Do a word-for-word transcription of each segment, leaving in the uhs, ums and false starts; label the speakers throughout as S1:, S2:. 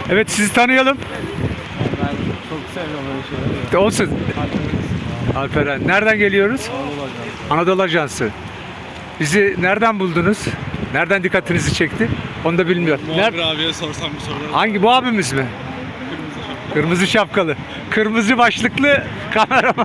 S1: Evet, sizi tanıyalım.
S2: Ben çok sevmiyorum öyle şeyleri.
S1: Olsun. Alperen. Nereden geliyoruz? Anadolu Ajansı. Bizi nereden buldunuz? Nereden dikkatinizi çekti? Onu da bilmiyorum.
S2: Muhabir
S1: Ner-
S2: abiye sorsam bu soruları.
S1: Hangi, bu abimiz mi? Kırmızı şapkalı. Kırmızı başlıklı kameraman.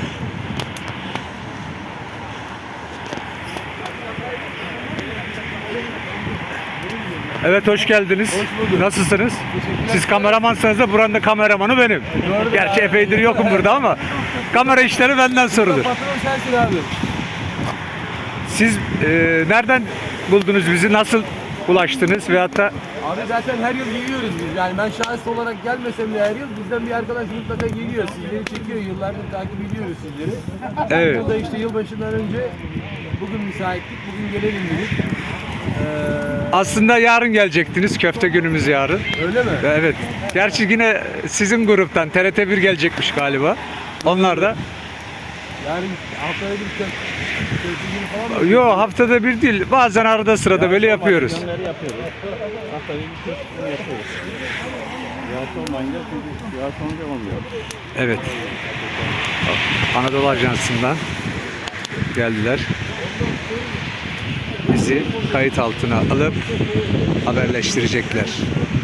S1: Evet, hoş geldiniz.
S3: Hoş bulduk.
S1: Nasılsınız? Siz kameramansınız da buranın da kameramanı benim.
S3: Doğru
S1: Gerçi
S3: abi.
S1: epeydir yokum burada ama kamera işleri benden sorulur.
S3: Patron sensin abi.
S1: Siz e, nereden buldunuz bizi? Nasıl ulaştınız? Veyahut da
S3: Abi zaten her yıl geliyoruz biz. Yani ben şahıs olarak gelmesem de her yıl bizden bir arkadaş mutlaka geliyor. Sizleri çekiyor. Yıllardır takip ediyoruz sizleri.
S1: Evet.
S3: Burada işte yılbaşından önce bugün müsaitlik. Bugün gelelim dedik. Ee,
S1: aslında yarın gelecektiniz. Köfte günümüz yarın.
S3: öyle mi?
S1: Evet. Gerçi yine sizin gruptan T R T bir gelecekmiş galiba. Onlar da.
S3: Yani haftada bir kez kez falan mı?
S1: Yo, haftada bir değil. Bazen arada sırada böyle yapıyoruz.
S2: Yönleri yapıyoruz. Haftada bir kez yapıyoruz. Yağış olmayınca çünkü yağış olunca olmuyor.
S1: Evet. Anadolu Ajansı'ndan geldiler. Bizi kayıt altına alıp haberleştirecekler.